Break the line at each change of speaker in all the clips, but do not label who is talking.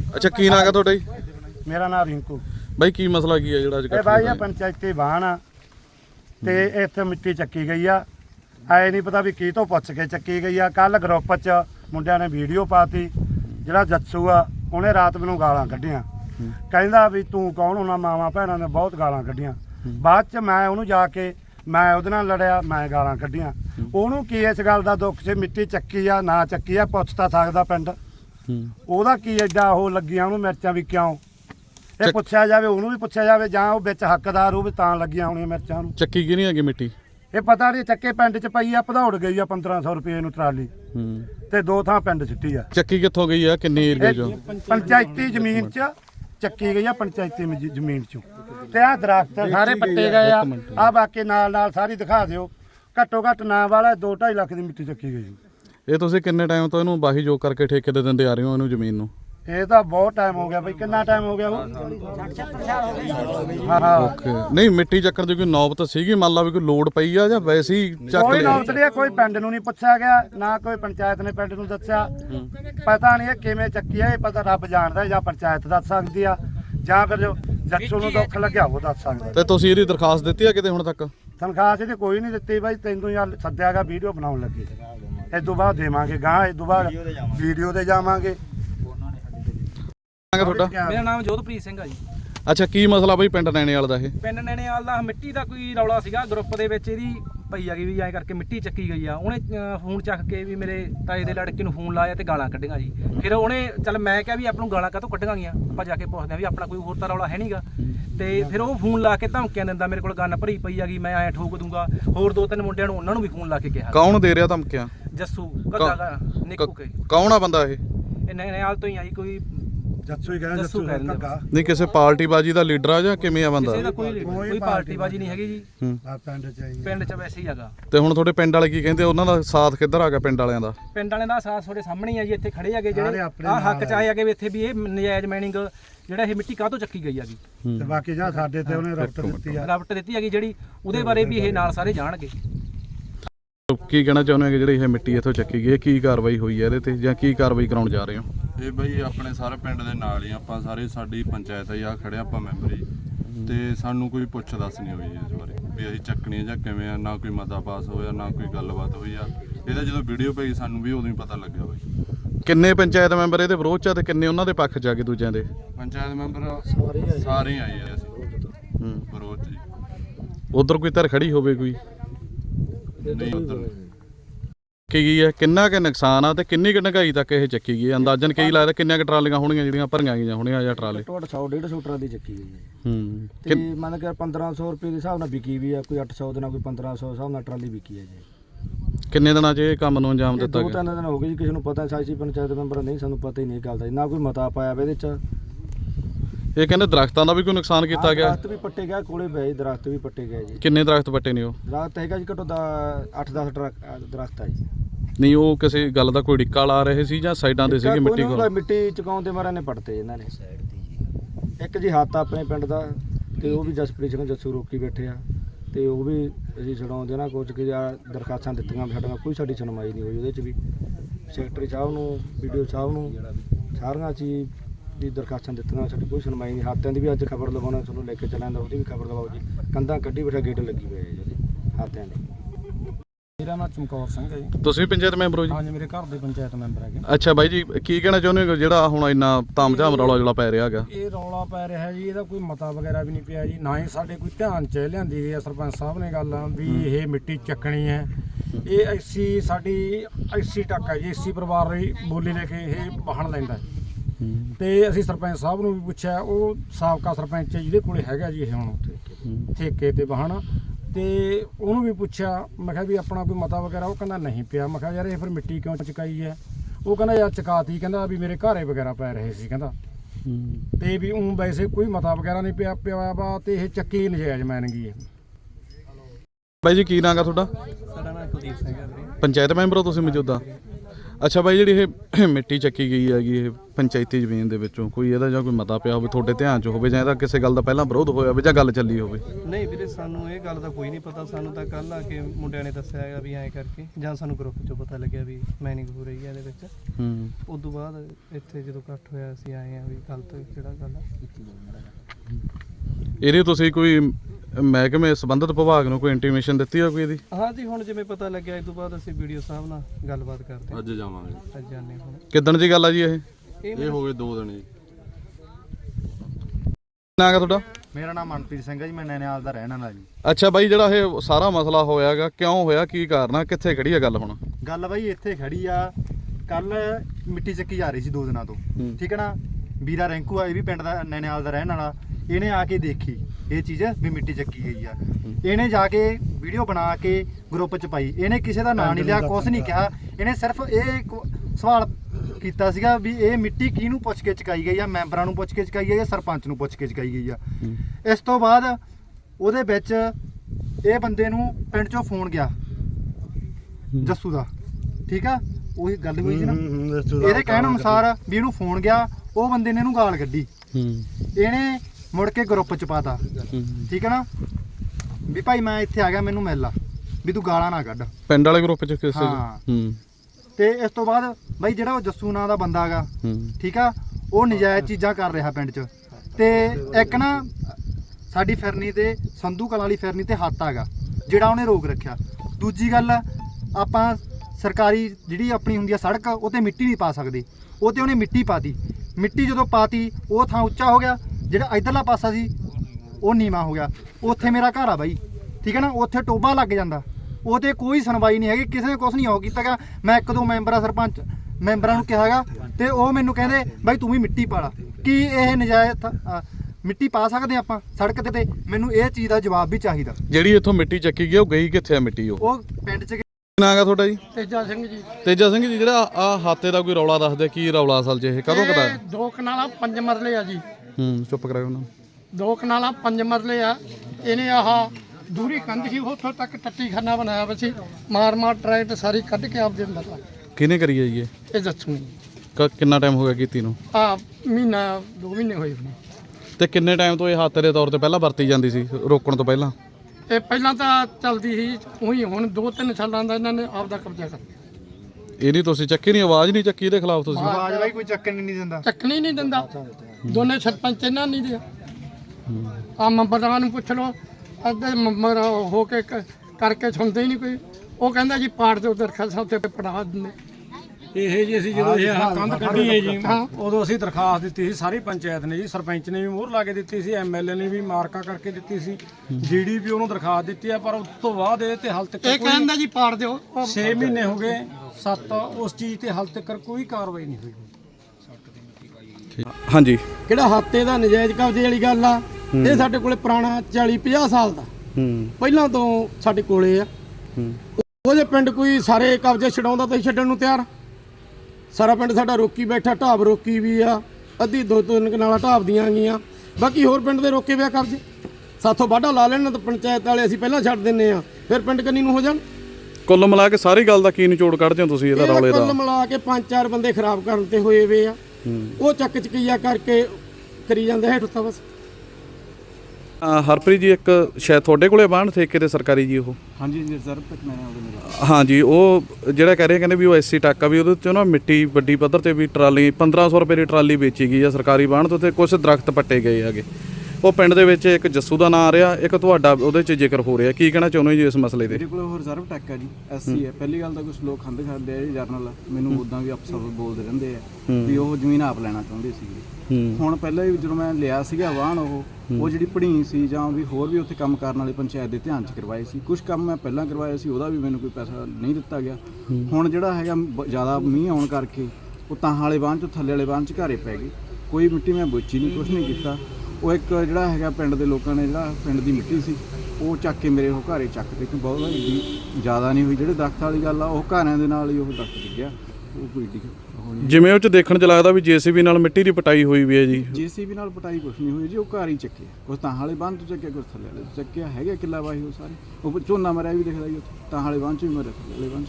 ਅੱਛਾ ਕੀ ਨਾਂ ਹੈ ਤੁਹਾਡਾ ਜੀ?
ਮੇਰਾ ਨਾਮ ਰਿੰਕੂ।
ਬਾਈ ਕੀ ਮਸਲਾ ਕੀ ਹੈ ਜਿਹੜਾ ਅੱਜ
ਇਹ ਬਾਈ ਇਹ ਪੰਚਾਇਤੀ ਬਾਣ ਆ ਤੇ ਇੱਥੇ ਮਿੱਟੀ ਚੱਕੀ ਗਈ ਆ। ਐ ਨਹੀਂ ਪਤਾ ਵੀ ਕੀ ਤੋਂ ਪੁੱਛ ਕੇ ਚੱਕੀ ਗਈ ਆ। ਕੱਲ ਗਰੁੱਪ 'ਚ ਮੁੰਡਿਆਂ ਨੇ ਵੀਡੀਓ ਪਾਤੀ। ਜਿਹੜਾ ਜੱਸੂ ਆ ਉਹਨੇ ਰਾਤ ਮੈਨੂੰ ਗਾਲਾਂ ਕੱਢੀਆਂ, ਕਹਿੰਦਾ ਵੀ ਤੂੰ ਕੌਣ ਹੋਣਾ, ਮਾਵਾਂ ਭੈਣਾਂ ਨੇ ਬਹੁਤ ਗਾਲਾਂ ਕੱਢੀਆਂ। ਬਾਅਦ 'ਚ ਮੈਂ ਉਹਨੂੰ ਜਾ ਕੇ ਮੈਂ ਉਹਦੇ ਨਾਲ ਲੜਿਆ, ਮੈਂ ਗਾਲਾਂ ਕੱਢੀਆਂ। ਉਹਨੂੰ ਕੀ ਇਸ ਗੱਲ ਦਾ ਦੁੱਖ ਸੀ? ਮਿੱਟੀ ਚੱਕੀ ਆ ਨਾ ਚੱਕੀ ਆ ਪੁੱਛ ਤਾਂ ਸਕਦਾ ਪਿੰਡ। ਉਹਦਾ ਕੀ ਐਡਾ ਉਹ ਲੱਗੀਆਂ ਉਹਨੂੰ ਮਿਰਚਾਂ ਵੀ ਕਿਉਂ? ਇਹ ਪੁੱਛਿਆ ਜਾਵੇ, ਉਹਨੂੰ ਵੀ ਪੁੱਛਿਆ ਜਾਵੇ, ਜਾਂ ਉਹ ਵਿੱਚ ਹੱਕਦਾਰ ਉਹ ਵੀ ਤਾਂ ਲੱਗੀਆਂ ਹੋਣੀਆਂ ਮਿਰਚਾਂ ਨੂੰ।
ਚੱਕੀ ਕੀ ਨਹੀਂ ਹੈਗੀ ਮਿੱਟੀ?
ਇਹ ਪਤਾ ਨਹੀਂ, ਚੱਕੇ ਪਿੰਡ 'ਚ ਪਈ ਆ, ਭਦੌੜ ਗਈ ਆ 1500 ਰੁਪਏ ਨੂੰ ਟਰਾਲੀ ਤੇ 2 ਥਾਂ ਪਿੰਡ ਸਿੱਟੀ ਆ।
ਚੱਕੀ ਕਿੱਥੋਂ ਗਈ ਆ? ਕਿੰਨੇ ਏਰੀਏ ਚੋਂ?
ਪੰਚਾਇਤੀ ਜ਼ਮੀਨ 'ਚ ਚੱਕੀ ਗਈ ਆ, ਪੰਚਾਇਤੀ ਜ਼ਮੀਨ 'ਚੋਂ। ਤੇ ਆਹ ਦਰਖਤ ਸਾਰੇ ਪੱਟੇ ਗਏ ਆ। ਆਹ ਬਾਕੀ ਨਾਲ ਸਾਰੀ ਦਿਖਾ ਦਿਓ। ਘੱਟੋ ਘੱਟ ਨਾ ਵਾਲਾ 2-2.5 ਲੱਖ ਦੀ ਮਿੱਟੀ ਚੱਕੀ ਗਈ।
ਇਹ ਤੁਸੀਂ ਕਿੰਨੇ ਟਾਈਮ ਤੋਂ ਇਹਨੂੰ ਬਾਹੀ ਜੋਗ ਕਰਕੇ ਠੇਕੇ ਦੇ ਦਿੰਦੇ ਆ ਰਹੇ ਹੋ ਇਹਨੂੰ ਜ਼ਮੀਨ ਨੂੰ?
ਇਹ ਤਾਂ ਬਹੁਤ ਟਾਈਮ ਹੋ ਗਿਆ ਬਈ। ਕਿੰਨਾ ਟਾਈਮ ਹੋ ਗਿਆ ਉਹ? ਹਾਂ
ਓਕੇ। ਨਹੀਂ ਮਿੱਟੀ ਚੱਕਣ ਦੀ ਕੋਈ ਨੌਬਤ ਸੀਗੀ? ਮੰਨ ਲਾ ਵੀ ਕੋਈ ਲੋੜ ਪਈ ਆ ਜਾਂ ਵੈਸੇ ਹੀ ਚੱਕ
ਕੋਈ
ਲਿਆ?
ਨੌਬਤ ਨਹੀਂ। ਕੋਈ ਪਿੰਡ ਨੂੰ ਨਹੀਂ ਪੁੱਛਿਆ ਗਿਆ, ਨਾ ਕੋਈ ਪੰਚਾਇਤ ਨੇ ਪਿੰਡ ਨੂੰ ਦੱਸਿਆ। ਪਤਾ ਨਹੀਂ ਇਹ ਕਿਵੇਂ ਚੱਕੀ ਆ। ਇਹ ਪਤਾ ਰੱਬ ਜਾਣਦਾ, ਜਾਂ ਪੰਚਾਇਤ ਦੱਸ ਸਕਦੀ ਆ, ਜਾਂ ਫਿਰ ਜੋ ਜੱਸੂ ਨੂੰ ਦੁੱਖ ਲੱਗਿਆ ਉਹ ਦੱਸ ਸਕਦਾ।
ਤੇ ਤੁਸੀਂ ਇਹਦੀ ਦਰਖਾਸਤ ਦਿੱਤੀ ਆ ਕਿਤੇ ਹੁਣ ਤੱਕ?
ਤਨਖਾਹ ਇਹਦੀ ਕੋਈ ਨਹੀਂ ਦਿੱਤੀ ਬਾਈ। ਤੈਨੂੰ ਯਾਰ ਸੱਦਿਆਗਾ ਵੀਡੀਓ ਬਣਾਉਣ ਲੱਗੇ। ਇਸ ਤੋਂ ਬਾਅਦ ਦੇਵਾਂਗੇ ਗਾਂ, ਇਸ ਤੋਂ ਬਾਅਦ ਵੀਡੀਓ ਤੇ ਜਾਵਾਂਗੇ।
ਤੁਹਾਡਾ?
ਮੇਰਾ ਨਾਮ ਜੋਧਪ੍ਰੀਤ ਸਿੰਘ ਆ ਜੀ।
ਅੱਛਾ ਕੀ ਮਸਲਾ ਬਈ ਪਿੰਡ ਨੈਣੇਵਾਲ ਦਾ? ਇਹ
ਪਿੰਡ ਨੈਣੇਵਾਲ ਦਾ ਮਿੱਟੀ ਦਾ ਕੋਈ ਰੌਲਾ ਸੀਗਾ ਗਰੁੱਪ ਦੇ ਵਿੱਚ। ਇਹਦੀ ਪਈ ਆ ਗਈ ਵੀ ਐਂ ਕਰਕੇ ਮਿੱਟੀ ਚੱਕੀ ਗਈ ਆ। ਉਹਨੇ ਫੋਨ ਚੱਕ ਕੇ ਵੀ ਮੇਰੇ ਤਾਏ ਦੇ ਲੜਕੇ ਨੂੰ ਫੋਨ ਲਾਇਆ ਤੇ ਗਾਲਾਂ ਕੱਢੀਆਂ ਜੀ। ਫਿਰ ਉਹਨੇ ਚੱਲ ਮੈਂ ਕਿਹਾ ਵੀ ਆਪ ਨੂੰ ਗਾਲਾਂ ਕਾਹਤੋਂ ਕੱਢੀਆਂ ਗਈਆਂ, ਆਪਾਂ ਜਾ ਕੇ ਪੁੱਛਦੇ ਆ ਵੀ ਆਪਣਾ ਕੋਈ ਹੋਰ ਤਾਂ ਰੌਲਾ ਹੈ ਨਹੀਂਗਾ। ਤੇ ਫਿਰ ਉਹ ਫੋਨ ਲਾ ਕੇ ਧਮਕੀਆਂ ਦਿੰਦਾ, ਮੇਰੇ ਕੋਲ ਗੰਨ ਭਰੀ ਪਈ ਹੈਗੀ, ਮੈਂ ਐਂ ਠੋਕ ਦੂੰਗਾ। ਹੋਰ 2-3 ਮੁੰਡਿਆਂ ਨੂੰ ਉਹਨਾਂ ਨੂੰ ਵੀ ਫੋਨ ਲਾ ਕੇ ਕਿਹਾ।
ਕੌਣ ਦੇ ਰਿਹਾ ਧਮਕੀਆਂ?
ਜੱਸੂ ਘੱਗਾ ਨਿੱਕੂ ਕੇ।
ਕੌਣ ਆ ਬੰਦਾ ਇਹ?
ਨੈਣੇਵਾਲ ਤੋਂ ਹੀ ਆ ਜੀ। ਕੋਈ
ਜੱਸੂ ਹੀ ਕਹਿੰਦਾ,
ਜੱਸੂ ਕਹਿੰਦਾ।
ਨਹੀਂ ਕਿਸੇ ਪਾਰਟੀ ਬਾਜੀ ਦਾ ਲੀਡਰ ਆ ਜਾਂ ਕਿਵੇਂ ਆ ਬੰਦਾ?
ਕਿਸੇ ਦਾ ਕੋਈ ਪਾਰਟੀ ਬਾਜੀ ਨਹੀਂ ਹੈਗੀ ਜੀ। ਪਿੰਡ 'ਚ ਵੈਸੇ ਹੀ ਹੈਗਾ।
ਤੇ ਹੁਣ ਤੁਹਾਡੇ ਪਿੰਡ ਵਾਲੇ ਕੀ ਕਹਿੰਦੇ? ਉਹਨਾਂ ਦਾ ਸਾਥ ਕਿੱਧਰ ਆ ਗਿਆ ਪਿੰਡ ਵਾਲਿਆਂ ਦਾ?
ਪਿੰਡ ਵਾਲਿਆਂ ਦਾ ਸਾਥ ਤੁਹਾਡੇ ਸਾਹਮਣੇ ਆ ਜੀ। ਇੱਥੇ ਖੜੇ ਹੈਗੇ ਜਿਹੜੇ ਆਹ ਹੱਕ 'ਚ ਆਏ ਹੈਗੇ ਵੀ ਇੱਥੇ ਵੀ ਇਹ ਨਜਾਇਜ਼ ਮਾਈਨਿੰਗ ਜਿਹੜਾ ਇਹ ਮਿੱਟੀ ਕਾਹਤੋਂ ਚੱਕੀ ਗਈ ਹੈਗੀ।
ਤੇ ਬਾਕੀ ਜਾਂ ਸਾਡੇ ਤੇ ਉਹਨੇ ਰਫਟ ਦਿੱਤੀ ਆ,
ਰਫਟ ਦਿੱਤੀ ਹੈਗੀ ਜਿਹੜੀ, ਉਹਦੇ ਬਾਰੇ ਵੀ ਇਹ ਨਾਲ ਸਾਰੇ ਜਾਣਗੇ।
ਕੀ ਕਹਿਣਾ ਚਾਹੁੰਦੇ ਹੋ ਕਿ ਜਿਹੜੀ ਇਹ ਮਿੱਟੀ ਇੱਥੋਂ ਚੱਕੀ ਗਈ, ਕੀ ਕਾਰਵਾਈ ਹੋਈ ਹੈ ਇਹਦੇ ਤੇ, ਜਾਂ ਕੀ ਕਾਰਵਾਈ ਕਰਾਉਣ ਜਾ ਰਹੇ ਹੋ?
ਇਹ ਬਈ ਆਪਣੇ ਸਾਰੇ ਪਿੰਡ ਦੇ ਨਾਲ ਹੀ ਆਪਾਂ ਸਾਰੇ, ਸਾਡੀ ਪੰਚਾਇਤ ਆ ਖੜੇ ਆਪਾਂ ਮੈਂਬਰੀ, ਤੇ ਸਾਨੂੰ ਕੋਈ ਪੁੱਛ ਦੱਸ ਨਹੀਂ ਹੋਈ ਇਸ ਬਾਰੇ ਵੀ ਅਸੀਂ ਚੱਕਣੀ ਜਾਂ ਕਿਵੇਂ ਆ। ਨਾ ਕੋਈ ਮਤਾ ਪਾਸ ਹੋਇਆ, ਨਾ ਕੋਈ ਗੱਲਬਾਤ ਹੋਈ ਆ। ਇਹਦਾ ਜਦੋਂ ਵੀਡੀਓ ਪਈ ਸਾਨੂੰ ਵੀ ਉਦੋਂ ਹੀ ਪਤਾ ਲੱਗਿਆ ਬਈ।
ਕਿੰਨੇ ਪੰਚਾਇਤ ਮੈਂਬਰ ਇਹਦੇ ਵਿਰੋਧ 'ਚ ਆ ਤੇ ਕਿੰਨੇ ਉਹਨਾਂ ਦੇ ਪੱਖ 'ਚ ਆ ਕੇ ਦੂਜਿਆਂ ਦੇ?
ਪੰਚਾਇਤ ਮੈਂਬਰ ਸਾਰੇ ਆਏ ਆ ਅਸੀਂ ਵਿਰੋਧ ਜੀ।
ਉਧਰ ਕੋਈ ਧਿਰ ਖੜੀ ਹੋਵੇ ਕੋਈ?
ਨਹੀਂ ਉਧਰ
ਕੀ ਗਈ ਹੈ? ਕਿੰਨਾ ਕੁ ਨੁਕਸਾਨ ਆ ਤੇ ਕਿੰਨੀ ਕੁ ਢੰਗਾਈ ਤੱਕ ਇਹ ਚੱਕੀ ਗਈ? ਅੰਦਾਜ਼ਨ ਕੀ ਲੱਗਦਾ ਕਿੰਨੀਆਂ ਕੁ ਟਰਾਲੀਆਂ ਹੋਣਗੀਆਂ ਜਿਹੜੀਆਂ ਭਰੀਆਂ ਗਈਆਂ ਹੋਣੀਆਂ ਜਾਂ ਟਰਾਲੇ?
100-150 ਟਰਾਲੀ ਚੱਕੀ ਗਈ ਹੈ। ਤੇ ਮੰਨ ਕੇ 1500 ਰੁਪਏ ਦੇ ਹਿਸਾਬ ਨਾਲ ਵਿਕੀ ਵੀ ਆ। ਕੋਈ 800 ਦੇ ਨਾਲ, ਕੋਈ 1500 ਹਿਸਾਬ ਨਾਲ ਟਰਾਲੀ ਵਿਕੀ ਹੈ ਜੀ।
ਕਿੰਨੇ ਦਿਨਾਂ 'ਚ ਇਹ ਕੰਮ ਨੂੰ ਅੰਜਾਮ ਦਿੱਤਾ ਗਿਆ?
2-3 ਦਿਨ ਹੋ ਗਏ ਜੀ। ਕਿਸੇ ਨੂੰ ਪਤਾ ਸਾਈ ਪੰਚਾਇਤ ਮੈਂਬਰ ਨਹੀਂ, ਸਾਨੂੰ ਪਤਾ ਹੀ ਨਹੀਂ ਗੱਲ ਦਾ। ਨਾ ਕੋਈ ਮਤਾ ਪਾਇਆ ਵਾ ਇਹਦੇ 'ਚ।
ਇਹ ਕਹਿੰਦੇ ਦਰਖਤਾਂ ਦਾ ਵੀ ਕੋਈ ਨੁਕਸਾਨ ਕੀਤਾ ਗਿਆ?
ਦਰਖਤ ਵੀ ਪੱਟੇ ਗਿਆ, ਕੋਲੇ ਪਏ ਦਰਖਤ ਵੀ ਪੱਟੇ ਗਏ ਜੀ।
ਕਿੰਨੇ ਦਰਖਤ ਪੱਟੇ ਨੇ ਉਹ?
ਦਰਖਤ ਹੈਗਾ ਜੀ ਘੱਟੋ 8-10 ਦਰਖਤ ਆ ਜੀ।
ਨਹੀਂ ਉਹ ਕਿਸੇ ਗੱਲ ਦਾ ਕੋਈ ਡਿੱਕਾ ਲਾ ਰਹੇ ਸੀ ਜਾਂ ਸਾਈਡਾਂ ਦੇ ਸੀਗੇ ਮਿੱਟੀ ਕੋਲ?
ਮਿੱਟੀ ਚੁਕਾਉਣ ਦੇ ਮਾਰਿਆਂ ਨੇ ਪੱਟਤੇ ਇਹਨਾਂ ਨੇ। ਇੱਕ ਜੀ ਹੱਥ ਆਪਣੇ ਪਿੰਡ ਦਾ, ਤੇ ਉਹ ਵੀ ਜਸਪ੍ਰੀਤ ਸਿੰਘ ਜੱਸੂ ਰੋਕੀ ਬੈਠੇ ਆ। ਤੇ ਉਹ ਵੀ ਅਸੀਂ ਛਡਾਉਂਦੇ ਨਾ ਕੁਝ ਕਿ ਦਰਖਾਸਤਾਂ ਦਿੱਤੀਆਂ, ਸਾਡੀਆਂ ਕੋਈ ਸਾਡੀ ਸੁਣਵਾਈ ਨਹੀਂ ਹੋਈ ਉਹਦੇ 'ਚ ਵੀ। ਸੈਕਟਰੀ ਸਾਹਿਬ ਨੂੰ, ਵੀਡੀਓ ਸਾਹਿਬ ਨੂੰ, ਸਾਰੀਆਂ ਅਸੀਂ ਵੀ ਦਰਖਾਸਤਾਂ ਦਿੱਤੀਆਂ, ਸਾਡੀ ਕੋਈ ਸੁਣਵਾਈ ਨਹੀਂ। ਹਾਤਿਆਂ ਦੀ ਵੀ ਅੱਜ ਖਬਰ ਲਵਾਉਣਾ ਤੁਹਾਨੂੰ ਲੈ ਕੇ ਚੱਲਾਂਦਾ, ਉਹਦੀ ਵੀ ਖਬਰ ਲਵਾਓ ਜੀ। ਕੰਧਾਂ ਕੱਢੀ ਬੈਠਾ, ਗੇਟ ਲੱਗੀ ਹੋਈ ਹੈ ਜੀ ਉਹਦੇ ਹਾਤਿਆਂ ਦੇ।
ਮੇਰਾ ਨਾਮ ਚਮਕੌਰ ਸਿੰਘ ਹੈ ਜੀ।
ਤੁਸੀਂ ਪੰਚਾਇਤ ਮੈਂਬਰ ਹੋ ਜੀ?
ਹਾਂਜੀ, ਮੇਰੇ ਘਰ ਦੇ ਪੰਚਾਇਤ ਮੈਂਬਰ ਹੈਗੇ।
ਅੱਛਾ ਬਾਈ ਜੀ, ਕੀ ਕਹਿਣਾ ਚਾਹੁੰਦੇ ਹੋ ਜਿਹੜਾ ਹੁਣ ਇੰਨਾ ਤਾਮਝਾਮ ਰੌਲਾ ਜਿਹੜਾ ਪੈ ਰਿਹਾ ਹੈਗਾ?
ਇਹ ਰੌਲਾ ਪੈ ਰਿਹਾ ਜੀ, ਇਹਦਾ ਕੋਈ ਮਤਾ ਵਗੈਰਾ ਵੀ ਨਹੀਂ ਪਿਆ ਜੀ। ਨਾ ਹੀ ਸਾਡੇ ਕੋਈ ਧਿਆਨ 'ਚ ਲਿਆਂਦੀ ਗਈ ਹੈ ਸਰਪੰਚ ਸਾਹਿਬ ਨੇ ਗੱਲ ਵੀ ਇਹ ਮਿੱਟੀ ਚੱਕਣੀ ਹੈ। ਇਹ ਐਸੀ ਸਾਡੀ 80 ਟੱਕ ਹੈ ਜੀ। 80 ਪਰਿਵਾਰ ਦੀ ਬੋਲੀ ਲੈ ਕੇ ਇਹ ਵਾਹਣ ਲੈਂਦਾ। ਤੇ ਅਸੀਂ ਸਰਪੰਚ ਸਾਹਿਬ ਨੂੰ ਵੀ ਪੁੱਛਿਆ, ਉਹ ਸਾਬਕਾ ਸਰਪੰਚ ਜਿਹਦੇ ਕੋਲੇ ਹੈਗਾ ਜੀ ਇਹ ਹੁਣ ਉੱਥੇ ਠੇਕੇ ਤੇ ਵਾਹਣ, ਤੇ ਉਹਨੂੰ ਵੀ ਪੁੱਛਿਆ। ਮੈਂ ਕਿਹਾ ਵੀ ਆਪਣਾ ਕੋਈ ਮਤਾ ਵਗੈਰਾ? ਉਹ ਕਹਿੰਦਾ ਨਹੀਂ ਪਿਆ। ਮੈਂ ਕਿਹਾ ਯਾਰ ਇਹ ਫਿਰ ਮਿੱਟੀ ਕਿਉਂ ਚੁਕਾਈ ਹੈ? ਉਹ ਕਹਿੰਦਾ ਯਾਰ ਚੁਕਾਤੀ, ਕਹਿੰਦਾ ਵੀ ਮੇਰੇ ਘਾਰੇ ਵਗੈਰਾ ਪੈ ਰਹੇ ਸੀ ਕਹਿੰਦਾ। ਤੇ ਵੀ ਉਹ ਵੈਸੇ ਕੋਈ ਮਤਾ ਵਗੈਰਾ ਨਹੀਂ ਪਿਆ ਵਾ, ਤੇ ਇਹ ਚੱਕੀ ਨਜਾਇਜ਼ ਮਾਈਨਿੰਗ ਹੈ।
ਬਾਈ ਜੀ ਕੀ ਨਾਂ ਗਾ ਤੁਹਾਡਾ?
ਸਾਡਾ ਨਾਮ ਕੁਲਦੀਪ ਸਿੰਘ ਹੈ।
ਪੰਚਾਇਤ ਮੈਂਬਰ ਹੋ ਤੁਸੀਂ ਮੌਜੂਦਾ? ਅੱਛਾ ਬਾਈ, ਜਿਹੜੀ ਇਹ ਮਿੱਟੀ ਚੱਕੀ ਗਈ ਹੈਗੀ ਇਹ ਪੰਚਾਇਤੀ ਜ਼ਮੀਨ ਦੇ ਵਿੱਚੋਂ, ਕੋਈ ਇਹਦਾ ਜਾਂ ਕੋਈ ਮਤਾ ਪਿਆ ਹੋਵੇ ਤੁਹਾਡੇ ਧਿਆਨ 'ਚ ਹੋਵੇ, ਜਾਂ ਇਹਦਾ ਕਿਸੇ ਗੱਲ ਦਾ ਪਹਿਲਾਂ ਵਿਰੋਧ ਹੋਇਆ ਹੋਵੇ ਜਾਂ ਗੱਲ ਚੱਲੀ ਹੋਵੇ?
ਨਹੀਂ ਵੀਰੇ, ਸਾਨੂੰ ਇਹ ਗੱਲ ਦਾ ਕੋਈ ਨਹੀਂ ਪਤਾ। ਸਾਨੂੰ ਤਾਂ ਕੱਲ ਆ ਕੇ ਮੁੰਡਿਆਂ ਨੇ ਦੱਸਿਆ ਹੈਗਾ ਵੀ ਐਂ ਕਰਕੇ, ਜਾਂ ਸਾਨੂੰ ਗਰੁੱਪ 'ਚੋਂ ਪਤਾ ਲੱਗਿਆ ਵੀ ਮਾਈਨਿੰਗ ਹੋ ਰਹੀ ਹੈ ਇਹਦੇ ਵਿੱਚ। ਉਸ ਤੋਂ ਬਾਅਦ ਇੱਥੇ ਜਦੋਂ ਇਕੱਠ ਹੋਇਆ ਅਸੀਂ ਆਏ ਆ ਵੀ ਗਲਤ ਕਿਹੜਾ ਗੱਲ ਆ।
ਇਹਦੀ ਤੁਸੀਂ ਕੋਈ ਮਹਿਕਮੇ ਸੰਬੰਧਿਤ ਵਿਭਾਗ ਨੂੰ ਕੋਈ ਇੰਟੀਮੇਸ਼ਨ ਦਿੱਤੀ ਆ ਕੋਈ ਇਹਦੀ?
ਹਾਂਜੀ, ਹੁਣ ਜਿਵੇਂ ਪਤਾ ਲੱਗਿਆ ਇਸ ਤੋਂ ਬਾਅਦ ਅਸੀਂ ਵੀਡੀਓ ਸਾਹਿਬ ਨਾਲ ਗੱਲਬਾਤ ਕਰਦੇ ਹਾਂ।
ਅੱਜ ਜਾਵਾਂਗੇ।
ਅੱਜ ਜਾਂਦੇ ਹੁਣ।
ਕਿੱਦਣ ਦੀ ਗੱਲ ਆ ਜੀ ਇਹ?
ਇਹ ਹੋ ਗਏ 2 ਦਿਨ ਜੀ।
ਨਾਂ ਗਾ ਤੁਹਾਡਾ?
ਮੇਰਾ ਨਾਮ ਮਨਪ੍ਰੀਤ ਸਿੰਘ ਹੈ ਜੀ, ਮੈਂ ਨੈਣਿਆਲ ਦਾ ਰਹਿਣ ਵਾਲਾ ਜੀ।
ਅੱਛਾ ਬਾਈ, ਜਿਹੜਾ ਇਹ ਸਾਰਾ ਮਸਲਾ ਹੋਇਆਗਾ ਕਿਉਂ ਹੋਇਆ, ਕੀ ਕਾਰਨ ਆ, ਕਿੱਥੇ ਖੜੀ ਆ ਗੱਲ ਹੁਣ?
ਗੱਲ ਬਾਈ ਇੱਥੇ ਖੜੀ ਆ, ਕੱਲ ਮਿੱਟੀ ਚੱਕੀ ਜਾ ਰਹੀ ਸੀ 2 ਦਿਨਾਂ ਤੋਂ, ਠੀਕ ਹੈ ਨਾ। ਵੀਰਾ ਰੈਂਕੂ ਆ, ਇਹ ਵੀ ਪਿੰਡ ਦਾ ਨੈਣਿਆਲ ਦਾ ਰਹਿਣ ਵਾਲਾ। ਇਹਨੇ ਆ ਕੇ ਦੇਖੀ ਇਹ ਚੀਜ਼ ਵੀ ਮਿੱਟੀ ਚੱਕੀ ਗਈ ਆ। ਇਹਨੇ ਜਾ ਕੇ ਵੀਡੀਓ ਬਣਾ ਕੇ ਗਰੁੱਪ 'ਚ ਪਾਈ। ਇਹਨੇ ਕਿਸੇ ਦਾ ਨਾਂ ਨਹੀਂ ਲਿਆ, ਕੁਛ ਨਹੀਂ ਕਿਹਾ। ਇਹਨੇ ਸਿਰਫ ਇਹ ਸਵਾਲ ਕੀਤਾ ਸੀਗਾ ਵੀ ਇਹ ਮਿੱਟੀ ਕਿਹਨੂੰ ਪੁੱਛ ਕੇ ਚੁਕਾਈ ਗਈ ਆ, ਮੈਂਬਰਾਂ ਨੂੰ ਪੁੱਛ ਕੇ ਚੁਕਾਈ ਗਈ ਆ, ਸਰਪੰਚ ਨੂੰ ਪੁੱਛ ਕੇ ਚੁਕਾਈ ਗਈ ਆ। ਇਸ ਤੋਂ ਬਾਅਦ ਉਹਦੇ ਵਿੱਚ ਇਹ ਬੰਦੇ ਨੂੰ ਪਿੰਡ 'ਚੋਂ ਫੋਨ ਗਿਆ, ਜੱਸੂ ਦਾ, ਠੀਕ ਆ। ਉਹੀ ਗੱਲ ਹੋਈ ਸੀ ਨਾ, ਇਹਦੇ ਕਹਿਣ ਅਨੁਸਾਰ ਵੀ ਇਹਨੂੰ ਫੋਨ ਗਿਆ, ਉਹ ਬੰਦੇ ਨੇ ਇਹਨੂੰ ਗਾਲ ਕੱਢੀ। ਇਹਨੇ ਮੁੜ ਕੇ ਗਰੁੱਪ 'ਚ ਪਾਤਾ, ਠੀਕ ਹੈ ਨਾ, ਵੀ ਭਾਈ ਮੈਂ ਇੱਥੇ ਆ ਗਿਆ, ਮੈਨੂੰ ਮਿਲ ਲਾ, ਵੀ ਤੂੰ ਗਾਲਾਂ ਨਾ ਕੱਢ।
ਪਿੰਡ ਵਾਲੇ ਗਰੁੱਪ 'ਚ ਕਿਸੇ?
ਹਾਂ। ਤੇ ਇਸ ਤੋਂ ਬਾਅਦ ਬਾਈ ਜਿਹੜਾ ਉਹ ਜੱਸੂ ਨਾਂ ਦਾ ਬੰਦਾ ਹੈਗਾ, ਠੀਕ ਆ, ਉਹ ਨਜਾਇਜ਼ ਚੀਜ਼ਾਂ ਕਰ ਰਿਹਾ ਪਿੰਡ 'ਚ। ਤੇ ਇੱਕ ਨਾ ਸਾਡੀ ਫਿਰਨੀ ਤੇ ਸੰਧੂ ਕਲਾਂ ਵਾਲੀ ਫਿਰਨੀ ਤੇ ਹੱਥ ਹੈਗਾ ਜਿਹੜਾ ਉਹਨੇ ਰੋਕ ਰੱਖਿਆ। ਦੂਜੀ ਗੱਲ, ਆਪਾਂ ਸਰਕਾਰੀ ਜਿਹੜੀ ਆਪਣੀ ਹੁੰਦੀ ਆ ਸੜਕ, ਉਹ ਤੇ ਮਿੱਟੀ ਨਹੀਂ ਪਾ ਸਕਦੇ। ਉਹ ਤੇ ਉਹਨੇ ਮਿੱਟੀ ਪਾਤੀ। ਮਿੱਟੀ ਜਦੋਂ ਪਾਤੀ, ਉਹ ਥਾਂ ਉੱਚਾ ਹੋ ਗਿਆ, ਜਿਹੜਾ ਇਧਰਲਾ ਪਾਸਾ ਸੀ ਉਹ ਨੀਵਾਂ ਹੋ ਗਿਆ। ਉੱਥੇ ਮੇਰਾ ਘਰ ਆ ਬਾਈ, ਠੀਕ ਹੈ ਨਾ, ਉੱਥੇ ਟੋਬਾ ਲੱਗ ਜਾਂਦਾ। ਉਹ ਤੇ ਕੋਈ ਸੁਣਵਾਈ ਨਹੀਂ ਹੈਗੀ, ਕਿਸੇ ਨੇ ਕੁਝ ਨਹੀਂ ਹੋ ਕੀਤਾ ਗਾ। ਮੈਂ 1-2 ਮੈਂਬਰਾਂ ਸਰਪੰਚ ਮੈਂਬਰਾਂ ਨੂੰ ਕਿਹਾ ਗਾ, ਤੇ ਉਹ ਮੈਨੂੰ ਕਹਿੰਦੇ ਬਾਈ ਤੂੰ ਵੀ ਮਿੱਟੀ ਪਾ ਲਾ। ਕੀ ਇਹ ਨਜਾਇਜ਼ ਮਿੱਟੀ ਪਾ ਸਕਦੇ ਆਪਾਂ ਸੜਕ ਤੇ? ਮੈਨੂੰ ਇਹ ਚੀਜ਼ ਦਾ ਜਵਾਬ ਵੀ ਚਾਹੀਦਾ।
ਜਿਹੜੀ ਇੱਥੋਂ ਮਿੱਟੀ ਚੱਕੀ ਗਈ ਉਹ ਗਈ ਕਿੱਥੇ ਆ ਮਿੱਟੀ? ਉਹ
ਪਿੰਡ 'ਚ
ਨਾਂ ਗਾ ਤੁਹਾਡਾ ਜੀ?
ਤੇਜਾ ਸਿੰਘ ਜੀ।
ਤੇਜਾ ਸਿੰਘ ਜੀ, ਜਿਹੜਾ ਆ ਹਾਤੇ ਦਾ ਕੋਈ ਰੌਲਾ ਦੱਸਦੇ, ਕੀ ਰੌਲਾ ਅਸਲ 'ਚ ਇਹ ਕਦੋਂ ਕਦਾ?
2 ਕਨਾਲਾਂ 5 ਮਰਲੇ ਆ ਜੀ।
ਚੁੱਪ ਕਰਾਓ ਉਹਨਾਂ।
2 ਕਨਾਲਾਂ 5 ਮਰਲੇ ਆ। ਇਹਨੇ ਆਹ ਦੂਰੀ ਕੰਧ ਸੀ, ਉੱਥੋਂ ਤੱਕ ਟੱਟੀ ਖਾਨਾ ਬਣਾਇਆ ਵਾ ਸੀ। ਮਾਰ ਟਰੈਕਟ ਸਾਰੀ ਕੱਢ ਕੇ ਆਪਦੇ ਅੰਦਰ ਲਾ।
ਕਿਹਨੇ ਕਰੀ ਹੈ ਜੀ
ਇਹ ਜੱਸੂ ਨੇ।
ਕਿੰਨਾ ਟਾਈਮ ਹੋ ਗਿਆ ਕੀਤੀ ਨੂੰ?
ਆ ਮਹੀਨਾ 2 ਮਹੀਨੇ ਹੋਏ ਹੋਣੇ।
ਤੇ ਕਿੰਨੇ ਟਾਈਮ ਤੋਂ ਇਹ ਹਾਤੇ ਦੇ ਤੌਰ ਤੇ ਪਹਿਲਾਂ ਵਰਤੀ ਜਾਂਦੀ ਸੀ, ਰੋਕਣ ਤੋਂ ਪਹਿਲਾਂ?
ਇਹ ਪਹਿਲਾਂ ਤਾਂ ਚੱਲਦੀ ਸੀ ਉਹੀ, ਹੁਣ 2-3 ਸਾਲਾਂ ਦਾ ਇਹਨਾਂ ਨੇ ਆਪਦਾ ਕਬਜ਼ਾ ਕਰ ਲਿਆ।
ਇਹਦੀ ਤੁਸੀਂ ਚੱਕੀ ਨਹੀਂ, ਆਵਾਜ਼ ਨਹੀਂ ਚੱਕੀ ਇਹਦੇ ਖਿਲਾਫ ਤੁਸੀਂ?
ਆਵਾਜ਼ ਬਾਈ ਕੋਈ ਚੱਕਣ ਨਹੀਂ ਦਿੰਦਾ,
ਚੱਕਣੀ ਨਹੀਂ ਦਿੰਦਾ। ਦੋਨੇ ਸਰਪੰਚ ਇਹਨਾਂ ਨਹੀਂ ਦੇ ਆ। ਮੈਂਬਰਾਂ ਨੂੰ ਪੁੱਛ ਲਓ, ਅੱਧੇ ਮੈਂਬਰ ਹੋ ਕੇ ਕਰਕੇ ਸੁਣਦੇ ਹੀ ਨਹੀਂ ਕੋਈ। ਉਹ ਕਹਿੰਦਾ ਜੀ ਪਾੜ ਤੋਂ ਦਰਖਾਸਤ ਉੱਤੇ ਪੜਾ ਦਿੰਦੇ।
ਇਹ ਜੀ ਅਸੀਂ ਜਦੋਂ ਇਹ ਕੰਧ ਕੱਢੀ ਹੈ ਜੀ, ਉਦੋਂ ਅਸੀਂ ਦਰਖਾਸਤ ਦਿੱਤੀ ਸੀ ਸਾਰੀ ਪੰਚਾਇਤ ਨੇ ਜੀ। ਸਰਪੰਚ ਨੇ ਵੀ ਮੋਹਰ ਲਾ ਕੇ ਦਿੱਤੀ ਸੀ, ਐਮਐਲਏ ਨੇ ਵੀ ਮਾਰਕਾ ਕਰਕੇ ਦਿੱਤੀ ਸੀ, ਜੀਡੀਪੀ ਉਹਨੂੰ ਦਰਖਾਸਤ ਦਿੱਤੀ ਆ। ਪਰ ਉਸ ਤੋਂ ਬਾਅਦ ਇਹ ਤੇ ਹਾਲ ਤੱਕ
ਇਹ ਕਹਿੰਦਾ ਜੀ ਪਾੜ ਦਿਓ।
6 ਮਹੀਨੇ ਹੋ ਗਏ 7, ਉਸ ਚੀਜ਼ ਤੇ ਹਾਲ ਤੱਕ ਕੋਈ ਕਾਰਵਾਈ ਨਹੀਂ ਹੋਈ।
ਹਾਂਜੀ।
ਕਿਹੜਾ ਹਾਤੇ ਦਾ ਨਜਾਇਜ਼ ਕਬਜ਼ੇ ਵਾਲੀ ਗੱਲ ਆ, ਇਹ ਸਾਡੇ ਕੋਲੇ ਪੁਰਾਣਾ 40-50 ਸਾਲ ਦਾ ਪਹਿਲਾਂ ਤੋਂ ਸਾਡੇ ਕੋਲੇ ਆ। ਉਹਦੇ ਪਿੰਡ ਕੋਈ ਸਾਰੇ ਕਬਜ਼ੇ ਛਡਾਉਂਦਾ ਤਾਂ ਛੱਡਣ ਨੂੰ ਤਿਆਰ। ਸਾਰਾ ਪਿੰਡ ਸਾਡਾ ਰੋਕੀ ਬੈਠਾ, ਢਾਬ ਰੋਕੀ ਵੀ ਆ, ਅੱਧੀ 2-3 ਕਨਾਲਾਂ ਢਾਬ ਦੀਆਂ ਗਈਆਂ, ਬਾਕੀ ਹੋਰ ਪਿੰਡ ਦੇ ਰੋਕੇ ਪਿਆ ਕਬਜ਼ੇ। ਸਾਥੋਂ ਵਾਢਾ ਲਾ ਲੈਣ ਤਾਂ ਪੰਚਾਇਤ ਵਾਲੇ ਅਸੀਂ ਪਹਿਲਾਂ ਛੱਡ ਦਿੰਨੇ ਆ, ਫਿਰ ਪਿੰਡ ਕੰਨੀ ਨੂੰ ਹੋ ਜਾਣ।
ਕੁੱਲ ਮਿਲਾ ਕੇ ਸਾਰੀ ਗੱਲ ਦਾ ਕੀ ਨਿਚੋੜ ਕੱਢਦੇ ਹੋ ਤੁਸੀਂ ਇਹਦਾ ਰੌਲੇ ਦਾ?
ਕੁੱਲ ਮਿਲਾ ਕੇ 5-4 ਬੰਦੇ ਖਰਾਬ ਕਰਨ ਤੇ ਹੋਏ ਵੇ ਆ। ਉਹ ਚੱਕ ਚਕਈਆ ਕਰਕੇ ਕਰੀ ਜਾਂਦੇ ਹੇਠ ਉੱਤਾ ਬਸ।
ਹਰਪ੍ਰੀਤ ਜੀ, ਇੱਕ ਸ਼ਾਇਦ ਤੁਹਾਡੇ ਕੋਲੇ ਬਾਣ ਠੇਕੇ ਤੇ ਸਰਕਾਰੀ ਜੀ ਉਹ?
ਹਾਂਜੀ ਰਿਜ਼ਰਵ ਤੱਕ ਮੈਂ ਉਹਦੇ ਨਾਲ।
ਹਾਂਜੀ, ਉਹ ਜਿਹੜਾ ਕਹਿ ਰਹੇ ਕਹਿੰਦੇ ਵੀ ਉਹ ਐਸਸੀ ਟਾਕਾ ਵੀ ਉਹਦੇ 'ਚੋਂ ਨਾ ਮਿੱਟੀ ਵੱਡੀ ਪੱਧਰ ਤੇ ਵੀ ਟਰਾਲੀ 1500 ਰੁਪਏ ਦੀ ਟਰਾਲੀ ਵੇਚੀ ਗਈ ਆ ਸਰਕਾਰੀ ਬਾਣ ਤੋਂ, ਤੇ ਕੁਝ ਦਰਖਤ ਪੱਟੇ ਗਏ ਹੈਗੇ। ਉਹ ਪਿੰਡ ਦੇ ਵਿੱਚ ਇੱਕ ਜੱਸੂ ਦਾ ਨਾਂ ਆ ਰਿਹਾ, ਇੱਕ ਤੁਹਾਡਾ ਉਹਦੇ 'ਚ ਜ਼ਿਕਰ ਹੋ ਰਿਹਾ। ਕੀ ਕਹਿਣਾ ਚਾਹੁੰਦੇ ਹੋ ਜੀ ਇਸ ਮਸਲੇ ਤੇ?
ਮੇਰੇ ਕੋਲ ਉਹ ਰਿਜ਼ਰਵ ਟੈਕ ਹੈ ਜੀ, ਐਸਸੀ ਹੈ। ਪਹਿਲੀ ਗੱਲ ਤਾਂ ਕੁਝ ਲੋਕ ਖੰਦ ਖਾਂਦੇ ਆ ਜੀ, ਜਰਨਲ ਮੈਨੂੰ ਉਦਾਂ ਵੀ ਅਫਸਰ ਬੋਲਦੇ ਰਹਿੰਦੇ ਆ ਵੀ ਉਹ ਜ਼ਮੀਨ ਆਪ ਲੈਣਾ ਚਾਹੁੰਦੇ ਸੀਗੇ। ਹੁਣ ਪਹਿਲਾਂ ਹੀ ਜਦੋਂ ਮੈਂ ਲਿਆ ਸੀਗਾ ਵਾਹਣ, ਉਹ ਜਿਹੜੀ ਪੜ੍ਹੀ ਸੀ ਜਾਂ ਵੀ ਹੋਰ ਵੀ ਉੱਥੇ ਕੰਮ ਕਰਨ ਵਾਲੇ ਪੰਚਾਇਤ ਦੇ ਧਿਆਨ 'ਚ ਕਰਵਾਏ ਸੀ। ਕੁਝ ਕੰਮ ਮੈਂ ਪਹਿਲਾਂ ਕਰਵਾਇਆ ਸੀ, ਉਹਦਾ ਵੀ ਮੈਨੂੰ ਕੋਈ ਪੈਸਾ ਨਹੀਂ ਦਿੱਤਾ ਗਿਆ। ਹੁਣ ਜਿਹੜਾ ਹੈਗਾ ਜ਼ਿਆਦਾ ਮੀਂਹ ਆਉਣ ਕਰਕੇ ਉਹ ਤਾਹਾਂ ਵਾਲੇ ਬਾਂਹ 'ਚੋਂ ਥੱਲੇ ਵਾਲੇ ਬਾਂਹ 'ਚ ਘਾਰੇ ਪੈ ਗਏ। ਕੋਈ ਮਿੱਟੀ ਮੈਂ ਬੋਚੀ ਨਹੀਂ, ਕੁਝ ਨਹੀਂ ਕੀਤਾ। ਉਹ ਇੱਕ ਜਿਹੜਾ ਹੈਗਾ ਪਿੰਡ ਦੇ ਲੋਕਾਂ ਨੇ ਜਿਹੜਾ ਪਿੰਡ ਦੀ ਮਿੱਟੀ ਸੀ ਉਹ ਚੱਕ ਕੇ ਮੇਰੇ ਉਹ ਘਾਰੇ ਚੱਕ ਤੇ, ਕੋਈ ਬਹੁਤ ਜ਼ਿਆਦਾ ਨਹੀਂ ਹੋਈ। ਜਿਹੜੇ ਦਰਖਤ ਵਾਲੀ ਗੱਲ ਆ ਉਹ ਘਾਰਿਆਂ ਦੇ ਨਾਲ ਹੀ ਉਹ ਦਰਖਤ ਡਿੱਗਿਆ, ਉਹ ਕੋਈ
ਜਿਵੇਂ ਉਹ 'ਚ ਦੇਖਣ 'ਚ ਲੱਗਦਾ ਵੀ ਜੀਸੀਬੀ ਨਾਲ ਮਿੱਟੀ ਦੀ ਪਟਾਈ ਹੋਈ ਵੀ ਹੈ ਜੀ।
ਜੀਸੀਬੀ ਨਾਲ ਪਟਾਈ ਕੁਛ ਨਹੀਂ ਹੋਈ ਜੀ, ਉਹ ਘਰ ਹੀ ਚੱਕਿਆ। ਕੁਛ ਤਾਂ ਵਾਲੇ ਬੰਨ ਤੋਂ ਚੱਕਿਆ, ਕੁਛ ਥੱਲੇ ਵਾਲੇ ਚੱਕਿਆ। ਹੈਗਾ ਕਿੱਲਾ ਵਾਹੀ ਉਹ ਸਾਰੇ, ਉਹ ਝੋਨਾ ਮਰਿਆ ਵੀ ਦਿਖਦਾ ਜੀ ਉੱਥੇ। ਤਾਂ ਵਾਲੇ ਬੰਨ 'ਚ ਵੀ ਮਰਿਆ, ਥੱਲੇ ਵਾਲੇ ਬੰਨ 'ਚ ਵੀ ਮਰਿਆ।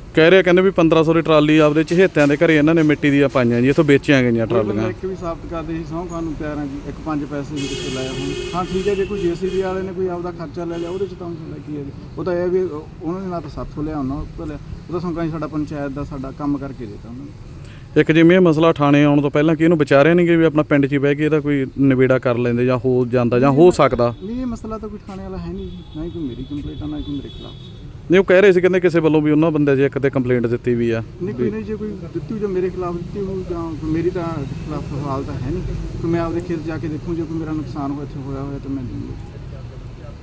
ਕਹਿ ਰਿਹਾ ਕਹਿੰਦੇ ਵੀ 1500 ਦੀ ਟਰਾਲੀ ਆਪਦੇ ਚਹੇਤਿਆਂ ਦੇ ਘਰੇ ਇਹਨਾਂ ਨੇ ਮਿੱਟੀ ਦੀਆਂ ਪਾਈਆਂ ਜੀ, ਇੱਥੋਂ ਵੇਚੀਆਂ ਗਈਆਂ ਟਰਾਲੀਆਂ।
ਇੱਕ ਵੀ ਸਾਬਤ ਕਰਦੇ ਸੀ ਸਹੁੰ ਖਾਣ ਨੂੰ ਤਿਆਰ ਹਾਂ ਜੀ, ਇੱਕ 5 ਪੈਸੇ ਵੀ ਕਿੱਥੇ ਲਾਇਆ ਹੁਣ। ਹਾਂ ਠੀਕ ਹੈ, ਜੇ ਕੋਈ ਜੀਸੀਬੀ ਵਾਲੇ ਨੇ ਕੋਈ ਆਪਦਾ ਖਰਚਾ ਲੈ ਲਿਆ ਉਹਦੇ ਚ ਤਾਂ ਹੁੰਦਾ ਕੀ ਹੈ ਜੀ, ਉਹ ਤਾਂ ਇਹ ਵੀ ਉਹਨਾਂ ਨੇ ਨਾ ਤਾਂ ਸਾਥੋਂ ਲਿਆ ਉਹਨਾਂ ਤੋਂ ਲਿਆ, ਉਹ ਤਾਂ ਸੰਕਾਂ ਸਾਡਾ ਪੰਚਾਇਤ ਦਾ ਸਾਡਾ ਕੰਮ ਕਰਕੇ ਦੇਤਾ ਉਹਨਾਂ ਨੇ।
ਇੱਕ ਜਿਵੇਂ ਇਹ ਮਸਲਾ ਥਾਣੇ ਆਉਣ ਤੋਂ ਪਹਿਲਾਂ ਕਿ ਇਹਨੂੰ ਵਿਚਾਰਿਆ ਨਹੀਂ ਕਿ ਵੀ ਆਪਣਾ ਪਿੰਡ 'ਚ ਹੀ ਬਹਿ ਕੇ ਇਹਦਾ ਕੋਈ ਨਿਬੇੜਾ ਕਰ ਲੈਂਦੇ ਜਾਂ ਹੋ ਜਾਂਦਾ ਜਾਂ ਹੋ ਸਕਦਾ।
ਨਹੀਂ, ਇਹ ਮਸਲਾ ਤਾਂ ਕੋਈ ਥਾਣੇ ਵਾਲਾ ਹੈ ਨਹੀਂ ਜੀ, ਨਾ ਹੀ ਕੋਈ ਮੇਰੀ ਕੰਪਲੇਂਟ ਆ ਨਾ ਹੀ ਕੋਈ ਮੇਰੇ ਖਿਲਾਫ।
ਨਹੀਂ, ਉਹ ਕਹਿ ਰਹੇ ਸੀ ਕਹਿੰਦੇ ਕਿਸੇ ਵੱਲੋਂ ਵੀ ਉਹਨਾਂ ਬੰਦੇ 'ਚ ਇੱਕ ਤੇ ਕੰਪਲੇਂਟ ਦਿੱਤੀ ਵੀ ਆ।
ਨਹੀਂ ਕੋਈ ਨਹੀਂ, ਜੇ ਕੋਈ ਦਿੱਤੀ ਹੋਈ ਜਾਂ ਮੇਰੇ ਖਿਲਾਫ ਦਿੱਤੀ ਹੋਈ ਜਾਂ ਮੇਰੀ ਤਾਂ ਖਿਲਾਫ ਹਾਲ ਤਾਂ ਹੈ ਨਹੀਂ, ਕਿ ਮੈਂ ਆਪਦੇ ਖੇਤ ਜਾ ਕੇ ਦੇਖੂੰ ਜੇ ਕੋਈ ਮੇਰਾ ਨੁਕਸਾਨ ਇੱਥੇ ਹੋਇਆ ਤਾਂ ਮੈਂ ਦੂੰਗਾ।